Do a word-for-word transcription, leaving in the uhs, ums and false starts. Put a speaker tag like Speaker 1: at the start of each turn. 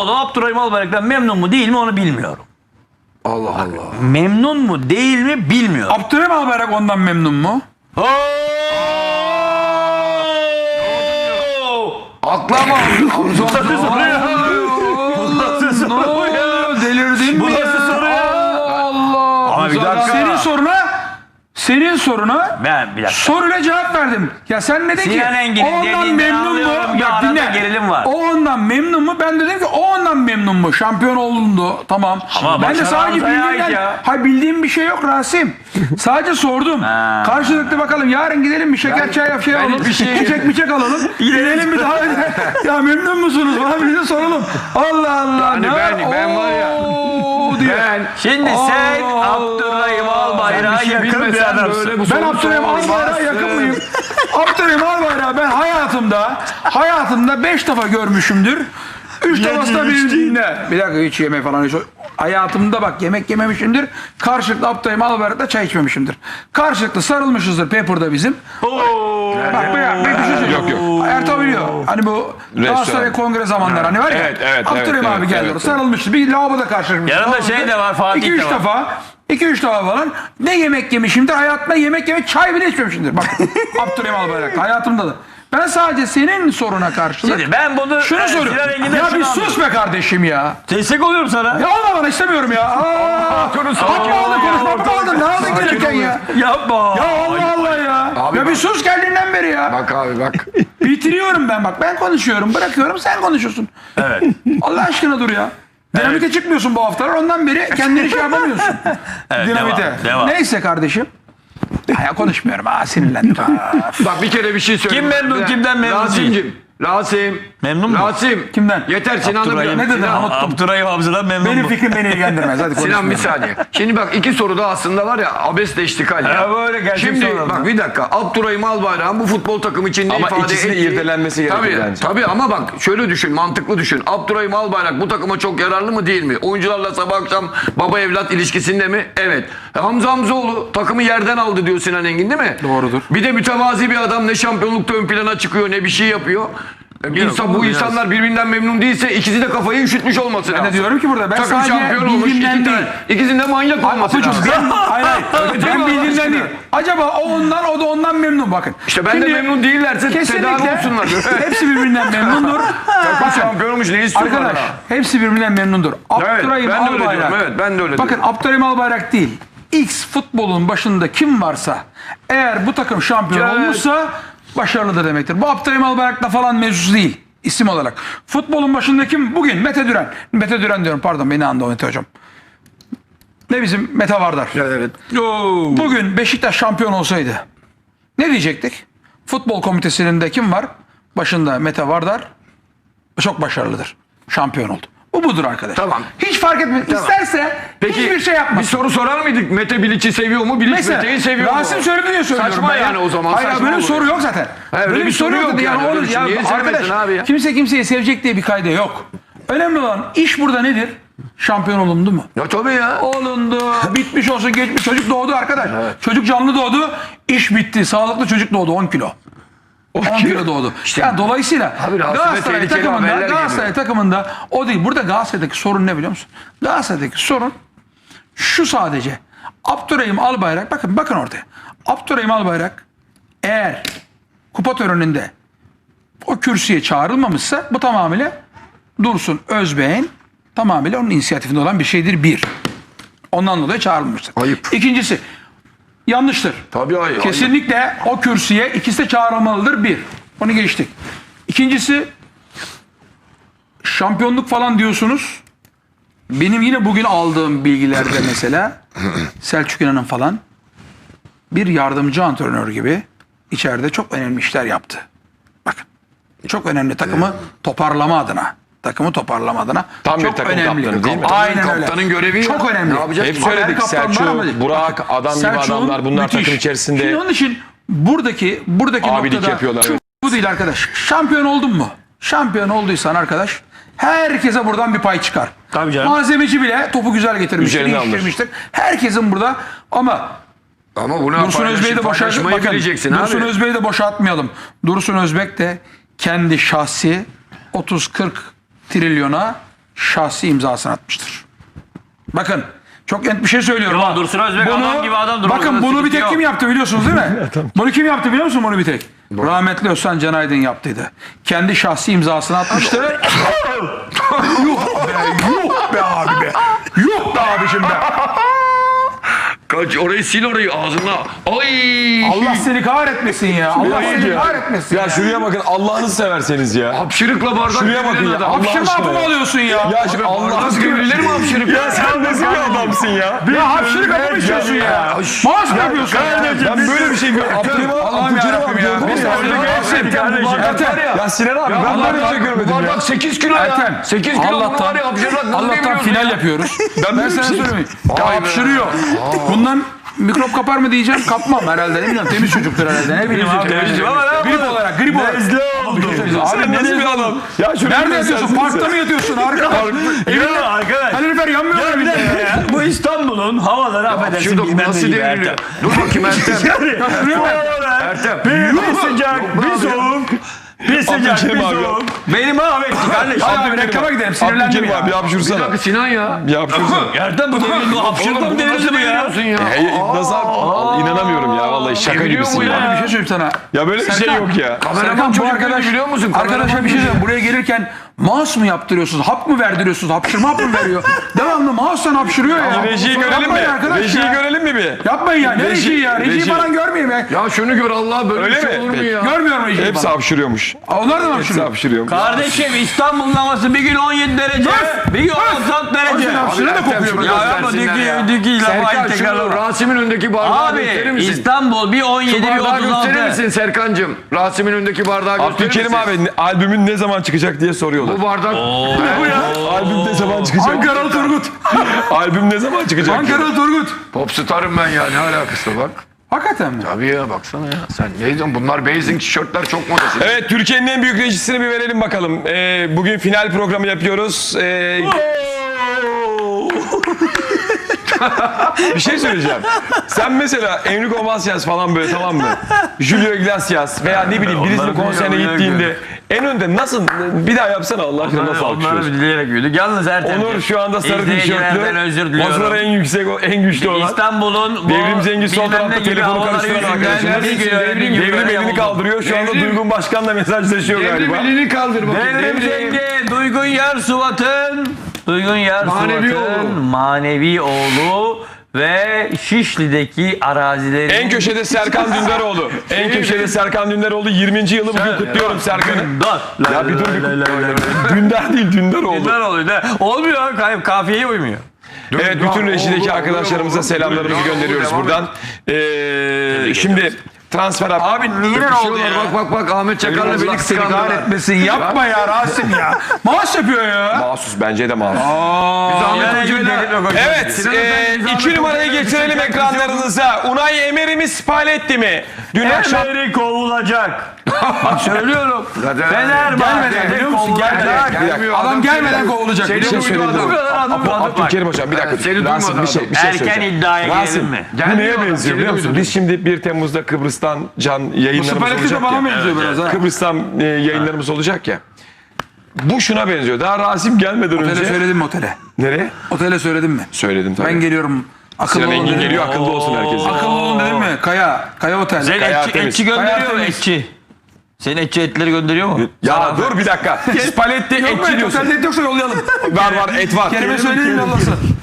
Speaker 1: oğlu Abdurrahim Albayrak'tan memnun mu değil mi onu bilmiyorum.
Speaker 2: Allah Allah.
Speaker 1: Memnun mu değil mi bilmiyorum.
Speaker 3: Abdurrahim Albayrak ondan memnun mu?
Speaker 2: Aklama.
Speaker 3: Delirdin mi
Speaker 1: Bu
Speaker 3: ya?
Speaker 1: nasıl soru ya?
Speaker 3: Allah.
Speaker 1: Ama bir dakika.
Speaker 3: Senin soruna senin soruna
Speaker 1: Ben bir dakika.
Speaker 3: soruyla cevap verdim. Ya sen ne dedin ki?
Speaker 1: Sinan Engin'in
Speaker 3: O ondan
Speaker 1: dediğinden
Speaker 3: memnun
Speaker 1: anlıyorum,
Speaker 3: mu?
Speaker 1: bir
Speaker 3: Bak
Speaker 1: arada
Speaker 3: dinle.
Speaker 1: gerilim var.
Speaker 3: O ondan memnun mu? Ben dedim ki o ondan memnun mu? Şampiyon olundu. Tamam.
Speaker 1: Ama
Speaker 3: ben de sadece
Speaker 1: başarı Hamza'ya
Speaker 3: bildiğimden,
Speaker 1: ait ya.
Speaker 3: hayır bildiğim bir şey yok Rasim. Sadece sordum.
Speaker 1: Ha.
Speaker 3: Karşılıklı bakalım yarın gidelim bir şeker çay yap şey alalım.
Speaker 2: hiçbir şey-
Speaker 3: Çiçek miçek alalım. Gidelim bir daha. Ya memnun musunuz? Bana bir de soralım. Allah Allah.
Speaker 2: Yani
Speaker 3: ne?
Speaker 2: ben- ben var ya-
Speaker 3: Oo diye.
Speaker 2: Ben
Speaker 1: Şimdi sen
Speaker 3: Allah.
Speaker 1: Abdurrahim Albayrak'a
Speaker 2: Sen bir şey
Speaker 1: yakın bir
Speaker 2: bilmesen
Speaker 1: adamsın.
Speaker 2: böyle bu
Speaker 3: Ben
Speaker 2: soru
Speaker 3: Abdurrahim Albayrak'a
Speaker 2: sormazsın.
Speaker 3: yakın mıyım? Abdurrahim Albayrak'ı ben hayatımda hayatımda beş defa görmüşümdür. Üç defası da bir dinle. Bir dakika hiç yeme falan. Hiç. Hayatımda bak yemek yememişimdir. Karşılıklı Abdurrahim Albayrak'ta çay içmemişimdir. Karşılıklı sarılmışızdır Pepper'da bizim. Bak bir, bir şey söyleyeyim.
Speaker 4: Yok, yok.
Speaker 3: Ertuğ biliyor. Hani bu Galatasaray Kongre zamanları hani var ya.
Speaker 4: Evet, evet,
Speaker 3: Abdurrahim
Speaker 4: evet,
Speaker 3: abi
Speaker 4: evet,
Speaker 3: geldi
Speaker 4: evet,
Speaker 3: orada. Sarılmıştı. Bir lavaboda karşılaşmıştı.
Speaker 1: Yanında şey de var, Fatih
Speaker 3: iki,
Speaker 1: de
Speaker 3: üç
Speaker 1: var.
Speaker 3: defa. iki üç defa falan. Ne yemek yemişimdir. Hayatımda yemek yemek çay bile içmemişimdir. Bak Abdurrahim Albayrak. Hayatımda da. Ben sadece senin soruna karşılık
Speaker 1: Şimdi ben bunu
Speaker 3: şunu
Speaker 1: e,
Speaker 3: soruyorum.
Speaker 1: Sinan Engin'den
Speaker 3: Ya
Speaker 1: şunu
Speaker 3: bir
Speaker 1: anlıyorum.
Speaker 3: sus be kardeşim ya.
Speaker 1: Destek oluyorum sana.
Speaker 3: Ya olma bana istemiyorum ya. Aa, Atma aldın konuşma atma aldın. Ne aldın gelirken ya?
Speaker 1: Yapma.
Speaker 3: Ya Allah Allah ya.
Speaker 2: Abi
Speaker 3: ya
Speaker 2: bak.
Speaker 3: bir sus geldiğinden beri ya.
Speaker 2: Bak abi bak.
Speaker 3: Bitiriyorum ben bak. Ben konuşuyorum. Bırakıyorum sen konuşuyorsun.
Speaker 1: Evet.
Speaker 3: Allah aşkına dur ya. Dinamite çıkmıyorsun bu haftalar. Ondan beri kendini şey yapamıyorsun.
Speaker 1: Evet,
Speaker 3: Dinamite.
Speaker 1: devam, devam.
Speaker 3: Neyse kardeşim. Ya konuşmuyorum. Ha sinirlendim. Ha.
Speaker 2: Bak bir kere bir şey söyleyeyim.
Speaker 1: Kim memnun,
Speaker 2: Bir-
Speaker 1: kimden memnun
Speaker 2: Rasim'cim. Rasim.
Speaker 1: Memnun mu?
Speaker 2: Rasim.
Speaker 3: Kimden?
Speaker 2: Yeter Sinan'ın.
Speaker 1: Abdurrahim.
Speaker 3: Ne dedin?
Speaker 2: Sinan,
Speaker 3: Unuttum.
Speaker 1: Abdurrahim Hamza'dan memnun
Speaker 3: Benim
Speaker 1: mu?
Speaker 3: fikrim beni ilgilendirmez. Hadi
Speaker 2: Sinan bir
Speaker 3: konuşmayalım.
Speaker 2: saniye. Şimdi bak iki soruda aslında var ya abesle iştikal ya.
Speaker 1: Ya böyle gerçek
Speaker 2: Şimdi
Speaker 1: sorular.
Speaker 2: bak bir dakika. Abdurrahim Albayrak'ın bu futbol takımı için ne
Speaker 4: Ama
Speaker 2: ifade
Speaker 4: ikisinin
Speaker 2: ettiği-
Speaker 4: irdelenmesi gerekiyor
Speaker 2: tabii,
Speaker 4: bence.
Speaker 2: Tabii ama bak şöyle düşün, mantıklı düşün. Abdurrahim Albayrak bu takıma çok yararlı mı değil mi? Oyuncularla sabah akşam baba evlat ilişkisinde mi? Evet. E, Hamza Hamzoğlu takımı yerden aldı diyor Sinan Engin değil mi?
Speaker 3: Doğrudur.
Speaker 2: Bir de mütevazi bir adam, ne şampiyonlukta ön plana çıkıyor ne bir şey yapıyor. E, İnsan, bu
Speaker 3: biraz.
Speaker 2: insanlar birbirinden memnun değilse ikisi de kafayı üşütmüş olması lazım.
Speaker 3: Ben de diyorum ki burada ben
Speaker 2: Takım
Speaker 3: sadece
Speaker 2: şampiyon olmuş,
Speaker 3: bildiğimden
Speaker 2: iki
Speaker 3: değil.
Speaker 2: tane. İkisinin de manyak olması
Speaker 3: Apucum
Speaker 2: lazım.
Speaker 3: ben, hayır hayır. ben
Speaker 2: Allah
Speaker 3: bildiğimden
Speaker 2: aşkına.
Speaker 3: değil. Acaba o ondan o da ondan memnun bakın.
Speaker 2: İşte ben
Speaker 3: Şimdi
Speaker 2: de memnun değillerse tedavi
Speaker 3: kesinlikle
Speaker 2: olsunlar.
Speaker 3: hepsi birbirinden memnundur.
Speaker 2: Takım şampiyon olmuş, ne istiyorlar?
Speaker 3: Arkadaş
Speaker 2: daha?
Speaker 3: hepsi birbirinden memnundur. Abdurrahim
Speaker 2: ben de öyle
Speaker 3: Albayrak.
Speaker 2: diyorum, evet, ben de öyle
Speaker 3: Bakın
Speaker 2: diyorum.
Speaker 3: Abdurrahim Albayrak değil. X futbolun başında kim varsa eğer bu takım şampiyon
Speaker 2: Evet.
Speaker 3: olmuşsa başarılıdır demektir. Bu Abdurrahim Albayrak'la falan mevzusu değil. İsim olarak. Futbolun başında kim? Bugün Mete Düren. Mete Düren diyorum pardon beni andı o Mete hocam. Ne bizim Mete Vardar.
Speaker 2: Evet.
Speaker 3: Bugün Beşiktaş şampiyon olsaydı ne diyecektik? Futbol komitesinin de kim var? Başında Mete Vardar. Çok başarılıdır. Şampiyon oldu. Bu budur arkadaş.
Speaker 2: Tamam.
Speaker 3: Hiç fark etmez. İsterse hiçbir şey yapmaz.
Speaker 2: Bir soru sorar mıydık? Mete Bilic'i seviyor mu? Bilic
Speaker 3: Mesela
Speaker 2: Mete'yi seviyor mu?
Speaker 3: Rasim söyledi diye söylüyorum.
Speaker 2: Saçma
Speaker 3: ben ya.
Speaker 2: yani o zaman.
Speaker 3: Hayır
Speaker 2: saçma
Speaker 3: böyle bir
Speaker 2: olur
Speaker 3: soru
Speaker 2: ya.
Speaker 3: yok zaten.
Speaker 2: He, öyle bir soru yok
Speaker 3: zaten.
Speaker 2: yani, öyle bir şey.
Speaker 3: ya,
Speaker 2: Niye
Speaker 3: arkadaş,
Speaker 2: sevmesin abi ya?
Speaker 3: kimse kimseyi sevecek diye bir kayda yok. Önemli olan iş burada nedir? Şampiyon olundu mu?
Speaker 2: Ya tabii ya.
Speaker 3: Olundu. Bitmiş olsun geçmiş. Çocuk doğdu arkadaş. Çocuk canlı doğdu. İş bitti. Sağlıklı çocuk doğdu on kilo. on kilo doğdu. Yani dolayısıyla
Speaker 2: Abi Rasim'e
Speaker 3: Galatasaray
Speaker 2: tehlikeli
Speaker 3: takımında,
Speaker 2: haberler
Speaker 3: Galatasaray
Speaker 2: geliyor.
Speaker 3: takımında o değil. Burada Galatasaray'daki sorun ne biliyor musun? Galatasaray'daki sorun şu sadece. Abdurrahim Albayrak bakın bakın ortaya. Abdurrahim Albayrak eğer kupa töreninde o kürsüye çağrılmamışsa bu tamamıyla Dursun Özbek'in tamamıyla onun inisiyatifinde olan bir şeydir bir. Ondan dolayı çağrılmıştır.
Speaker 2: Ayıp.
Speaker 3: İkincisi yanlıştır.
Speaker 2: Tabii hayır.
Speaker 3: Kesinlikle o kürsüye ikisi de çağrılmalıdır bir. Onu geçtik. İkincisi şampiyonluk falan diyorsunuz. Benim yine bugün aldığım bilgilerde mesela Selçuk İnan'ın falan bir yardımcı antrenör gibi içeride çok önemli işler yaptı. Bakın. Çok önemli takımı toparlama adına. Takımı toparlama adına.
Speaker 4: Tam bir
Speaker 3: çok
Speaker 4: takım
Speaker 3: önemli.
Speaker 4: kaptanı değil mi?
Speaker 3: Aynen öyle.
Speaker 2: Kaptanın görevi ya.
Speaker 3: çok önemli.
Speaker 2: Ne yapacağız?
Speaker 4: Hep
Speaker 3: Haber
Speaker 4: söyledik
Speaker 3: kaptan var ama-
Speaker 4: Selçuk, Burak, adam gibi
Speaker 3: Selçuk'un
Speaker 4: adamlar bunlar
Speaker 3: müthiş.
Speaker 4: takım içerisinde
Speaker 3: Şimdi onun için buradaki buradaki
Speaker 4: abilik
Speaker 3: noktada
Speaker 4: yapıyorlar. Evet.
Speaker 3: bu değil arkadaş. Şampiyon oldun mu? Şampiyon olduysan arkadaş herkese buradan bir pay çıkar.
Speaker 1: Tabii canım.
Speaker 3: Malzemeci bile topu güzel getirmiştir,
Speaker 4: Üzerine alınır.
Speaker 3: değiştirmiştir. Herkesin burada ama
Speaker 2: Ama bunu
Speaker 3: Dursun Özbek'i de boşalt,
Speaker 2: paylaşmayı
Speaker 3: bakın,
Speaker 2: bileceksin
Speaker 3: Dursun
Speaker 2: abi.
Speaker 3: Özbek'i de boşaltmayalım. Dursun Özbek de kendi şahsi otuz kırk trilyona şahsi imzasını atmıştır. Bakın çok net bir şey söylüyorum.
Speaker 1: Yo,
Speaker 3: ha.
Speaker 1: Dursun Özbek adam gibi adamdır.
Speaker 3: Bakın
Speaker 1: Orada
Speaker 3: bunu bir
Speaker 1: sıkıntı
Speaker 3: tek
Speaker 1: yok.
Speaker 3: kim yaptı biliyorsunuz değil mi? Bunu kim yaptı biliyor musun bunu bir tek? Rahmetli Özcan Can Aydın yaptıydı. Kendi şahsi imzasını atmıştı. Yuh be, yuh be abi be. Yuh be abicim be.
Speaker 2: Kaç orayı sil orayı ağzına. Ay.
Speaker 3: Allah seni kahretmesin ya. Allah seni kahretmesin ya.
Speaker 4: Ya şuraya bakın Allah'ınızı severseniz ya.
Speaker 2: Hapşırıkla bardak
Speaker 4: Şuraya bakın
Speaker 2: deviren
Speaker 4: ya.
Speaker 2: adam.
Speaker 4: Allah
Speaker 3: Hapşırma
Speaker 4: aşkına
Speaker 3: hapı mı
Speaker 4: ya.
Speaker 3: alıyorsun ya?
Speaker 4: Ya şu Allah
Speaker 2: Bardak
Speaker 4: aşkına.
Speaker 2: devrilir mi hapşırık?
Speaker 4: Ya sen nasıl bir adamsın ya?
Speaker 3: Ya hapşırık hapı mı içiyorsun ya? Maaş mı yapıyorsun ya?
Speaker 4: Ben böyle bir şey görmedim. Abdülkerim
Speaker 3: Allah'ım
Speaker 4: Abdülkerim
Speaker 3: yarabbim
Speaker 4: abi
Speaker 3: ya.
Speaker 4: gördün mü?
Speaker 3: Biz
Speaker 4: ya?
Speaker 3: orada
Speaker 2: Ertem,
Speaker 3: gelsin.
Speaker 2: bu bardak var ya.
Speaker 4: Ya Sinan abi ben böyle bir şey görmedim
Speaker 2: Bu
Speaker 4: ya.
Speaker 2: bardak sekiz kilo ya.
Speaker 3: Ertem,
Speaker 2: sekiz kilo bunu
Speaker 3: Allah'tan-
Speaker 2: var ya hapşırmak nasıl
Speaker 3: Allah'tan
Speaker 2: deviriyorsun
Speaker 3: final
Speaker 2: ya?
Speaker 3: yapıyoruz.
Speaker 4: Ben
Speaker 3: Ben
Speaker 4: böyle bir
Speaker 3: sana
Speaker 4: şey-
Speaker 3: söyleyeyim. Ya
Speaker 2: Vay be.
Speaker 3: hapşırıyor. Bundan mikrop kapar mı diyeceğim, kapmam herhalde. Ne bileyim, temiz çocuktur herhalde. Ne bileyim abi.
Speaker 1: temizim ama ne
Speaker 3: Grip olarak, grip olarak.
Speaker 1: Nezle oldu.
Speaker 4: Sen nasıl bir adam? Ya şöyle
Speaker 3: Nerede
Speaker 4: bir
Speaker 3: yatıyorsun?
Speaker 4: göstersenize.
Speaker 3: Parkta mı yatıyorsun? Arkadaş.
Speaker 1: Yok arkadaş.
Speaker 3: Kalorifer yanmıyor mu bir de?
Speaker 1: Ya, bu İstanbul'un havaları affedersin
Speaker 2: Hapşırdık
Speaker 1: bilmem
Speaker 2: nasıl
Speaker 1: ne gibi
Speaker 2: devriliyor?
Speaker 1: Ertem.
Speaker 2: Dur bakayım Ertem.
Speaker 1: Bu havalar
Speaker 2: Ertem.
Speaker 1: bir, bir sıcak, bir soğuk. Bir sıcak, bir
Speaker 4: Abdülkerim abi.
Speaker 1: soğuk. Beni mahvetti kardeşim.
Speaker 3: Hadi abi reklama gidelim. Sinirlendim
Speaker 4: Abdülkerim
Speaker 3: ya.
Speaker 4: abi bir
Speaker 2: Bir
Speaker 4: hapşursana.
Speaker 2: dakika Sinan ya.
Speaker 4: Bir hapşursana.
Speaker 1: Ertem bu devrin bu hapşırma
Speaker 2: Oğlum
Speaker 1: mı
Speaker 2: bu
Speaker 1: devirdi
Speaker 2: nasıl
Speaker 1: bu ya?
Speaker 2: deviriyorsun ya?
Speaker 4: Hey, nasıl abi? İnanamıyorum ya vallahi şaka
Speaker 2: Deviriyor
Speaker 4: gibisin
Speaker 2: mu
Speaker 4: ya.
Speaker 2: ya?
Speaker 3: Abi bir şey söyleyeyim sana.
Speaker 4: Ya böyle bir şey
Speaker 3: Serkan,
Speaker 4: yok ya.
Speaker 2: Kameraman
Speaker 3: Serkan bu
Speaker 2: çocuk
Speaker 3: arkadaş
Speaker 2: biliyor musun?
Speaker 3: Arkadaşa
Speaker 2: Kameraman
Speaker 3: bir şey
Speaker 2: çocuk.
Speaker 3: söyleyeyim. Buraya gelirken mouse mu yaptırıyorsunuz? Hap mı verdiriyorsunuz? Hapşırma hap mı veriyor? Devamlı mouse'dan hapşırıyor ya.
Speaker 4: Rejiyi görelim
Speaker 3: Yapmayın
Speaker 4: mi?
Speaker 3: arkadaş
Speaker 4: Rejiyi
Speaker 3: ya.
Speaker 4: görelim mi bir?
Speaker 3: Yapmayın ya. Ne
Speaker 4: Reji-
Speaker 3: rejiyi ya? Rejiyi
Speaker 4: reji.
Speaker 3: falan görmeyeyim ya.
Speaker 2: Ya şunu gör Allah böyle
Speaker 4: Öyle
Speaker 2: bir şey
Speaker 4: mi?
Speaker 2: olur mu
Speaker 4: Peki.
Speaker 2: ya?
Speaker 3: Görmüyorum rejiyi
Speaker 4: Hepsi
Speaker 3: falan.
Speaker 4: hapşırıyormuş.
Speaker 3: Onlar da mı
Speaker 4: Hepsi
Speaker 3: hapşırıyor?
Speaker 4: hapşırıyormuş.
Speaker 1: Kardeşim İstanbul'un havası bir gün on yedi derece, bir gün on dört derece.
Speaker 3: Abi, hapşırı da
Speaker 2: Ertem,
Speaker 3: kokuyor.
Speaker 2: şunu
Speaker 3: Ya
Speaker 1: yapma,
Speaker 2: göstersinler
Speaker 1: düki-
Speaker 2: ya.
Speaker 1: düki lafı
Speaker 2: Serkan
Speaker 1: aynı
Speaker 2: şunu
Speaker 1: tekrarlama.
Speaker 2: Rasim'in önündeki bardağı gösterir
Speaker 1: Abi
Speaker 2: misin?
Speaker 1: İstanbul bir on
Speaker 2: Şu
Speaker 1: yedi bir
Speaker 2: bardağı
Speaker 1: otuz
Speaker 2: gösterir
Speaker 1: altı.
Speaker 2: misin Serkan'cığım? Rasim'in önündeki bardağı gösterir
Speaker 4: Abdülkerim
Speaker 2: misin?
Speaker 4: abi albümün ne zaman çıkacak diye soruyorlar.
Speaker 2: Bu bardak...
Speaker 3: Ne bu ya?
Speaker 4: Albüm ne zaman çıkacak?
Speaker 3: Ankaralı Turgut.
Speaker 4: Albüm ne zaman çıkacak?
Speaker 3: Ankaralı Turgut.
Speaker 2: Popstar'ım ben ya ne alakası bak.
Speaker 3: Hakikaten mi?
Speaker 2: Tabii ya baksana ya. Sen ne diyorsun? Bunlar basing tişörtler çok modası.
Speaker 4: Evet Türkiye'nin en büyük rejisini bir verelim bakalım. Ee, bugün final programı yapıyoruz. Ee, bir şey söyleyeceğim. Sen mesela Enrico Macias falan böyle tamam mı? Julio Iglesias veya ne bileyim birisinin
Speaker 1: Onları
Speaker 4: konserine
Speaker 1: biliyorum,
Speaker 4: gittiğinde en önde nasıl bir daha yapsana Allah aşkına nasıl
Speaker 1: Onları
Speaker 4: alkışlıyorsun?
Speaker 1: dileyerek büyüdük. Yalnız Ertem.
Speaker 4: Onur şu anda sarı
Speaker 1: İzleyicilerden özür
Speaker 4: tişörtlü. Maçlara
Speaker 1: diliyorum.
Speaker 4: en yüksek, en güçlü olan.
Speaker 1: İstanbul'un bu
Speaker 4: Devrim Cengiz sol
Speaker 1: bilmem ne
Speaker 4: tarafta
Speaker 1: gibi
Speaker 4: telefonu
Speaker 1: havaları
Speaker 4: karıştıran
Speaker 1: yüzünden
Speaker 4: arkadaşımız.
Speaker 1: bir gün öyle, bir
Speaker 4: Devrim,
Speaker 1: gün
Speaker 4: devrim
Speaker 1: böyle
Speaker 4: elini
Speaker 1: oldu.
Speaker 4: kaldırıyor. Şu anda
Speaker 2: Devrim-
Speaker 4: Duygun Başkan'la mesajlaşıyor galiba.
Speaker 2: elini kaldır bakayım.
Speaker 1: Devrim Cengiz, Duygun Yarsuvat'ın Duygun
Speaker 2: Manevi
Speaker 1: Yarsuvat'ın
Speaker 2: oğlu.
Speaker 1: manevi oğlu ve Şişli'deki arazilerin
Speaker 4: En köşede Serkan Dündaroğlu. En köşede Serkan Dündaroğlu. yirminci yılı bugün kutluyorum Serkan'ı.
Speaker 1: Dündar.
Speaker 4: Ya bir dur bir Dündar değil Dündaroğlu.
Speaker 1: Dündar oluyor. Ne? Olmuyor. Kay- Kafiyeye uymuyor.
Speaker 4: Evet bütün rejideki arkadaşlarımıza selamlarımızı gönderiyoruz buradan. Ee, şimdi transfer hap-
Speaker 1: Abi niye oldu ya?
Speaker 2: Bak bak bak Ahmet Çakar'la
Speaker 3: Allah
Speaker 2: beni
Speaker 3: seni
Speaker 2: kıskandılar.
Speaker 3: kahretmesin. Yapma ya Rasim ya. Maaş yapıyor ya.
Speaker 4: Mahsus bence de mahsus.
Speaker 2: Ahmet
Speaker 1: Yani
Speaker 2: Hoca'yı da-
Speaker 1: dedim yok.
Speaker 4: Evet,
Speaker 2: Sinan
Speaker 4: e,
Speaker 2: Efendi,
Speaker 4: iki
Speaker 2: Zahmet
Speaker 4: numarayı
Speaker 2: Hoca'yı
Speaker 4: getirelim
Speaker 2: bir
Speaker 4: ekranlarınıza. Unai Emery mi, Spalletti mi? Dün akşam
Speaker 1: Emery kovulacak. Bak söylüyorum.
Speaker 2: Zaten-
Speaker 3: Gelmeden
Speaker 1: Fenerbahçe
Speaker 3: biliyor musun?
Speaker 1: kovulacak.
Speaker 3: Gelmeden.
Speaker 2: Gelmiyor,
Speaker 3: Adam gelmeden
Speaker 2: seni-
Speaker 3: kovulacak.
Speaker 2: Seni
Speaker 3: biliyor
Speaker 4: şey
Speaker 3: musun?
Speaker 2: duymadı
Speaker 4: söyledim.
Speaker 2: adam.
Speaker 1: Bu kadar adım adım bak.
Speaker 4: Abdülkerim hocam bir dakika.
Speaker 2: Evet, seni
Speaker 4: Rasim
Speaker 2: duymadı
Speaker 4: bir şey,
Speaker 2: adam.
Speaker 4: bir şey
Speaker 1: Erken
Speaker 4: söyleyeceğim.
Speaker 1: iddiaya
Speaker 4: Rasim,
Speaker 1: girelim mi?
Speaker 4: bu
Speaker 2: Gelmiyor
Speaker 4: neye
Speaker 2: adam,
Speaker 4: benziyor
Speaker 2: seni
Speaker 4: biliyor musun?
Speaker 2: duydum.
Speaker 4: Biz şimdi bir Temmuz'da Kıbrıs'tan can yayınlarımız
Speaker 3: Spalletti de
Speaker 4: olacak
Speaker 3: bana
Speaker 4: ya.
Speaker 3: benziyor biraz ha.
Speaker 4: Kıbrıs'tan e, yayınlarımız olacak ya. Bu şuna benziyor. Daha Rasim gelmeden
Speaker 3: Otele
Speaker 4: önce.
Speaker 3: söyledim mi otele?
Speaker 4: Nereye?
Speaker 3: Otele söyledim mi?
Speaker 4: Söyledim tabii.
Speaker 3: Ben geliyorum. Akıllı
Speaker 4: Sinan
Speaker 3: olun
Speaker 4: Engin
Speaker 3: dedim.
Speaker 4: geliyor akıllı olsun herkes.
Speaker 3: Akıllı olun dedim mi? Kaya. Kaya Otel.
Speaker 1: Sen
Speaker 4: Kaya
Speaker 1: etçi,
Speaker 4: temiz.
Speaker 1: etçi gönderiyor
Speaker 3: Kaya
Speaker 1: mu
Speaker 3: temiz.
Speaker 1: etçi? Senin etçi etleri gönderiyor mu?
Speaker 4: Ya dur bir dakika. Spalletti
Speaker 3: Yok mu?
Speaker 4: etçi diyorsun.
Speaker 3: Otelde et yoksa yollayalım.
Speaker 4: Var var et var.
Speaker 3: Kerime söyleyin yollasın.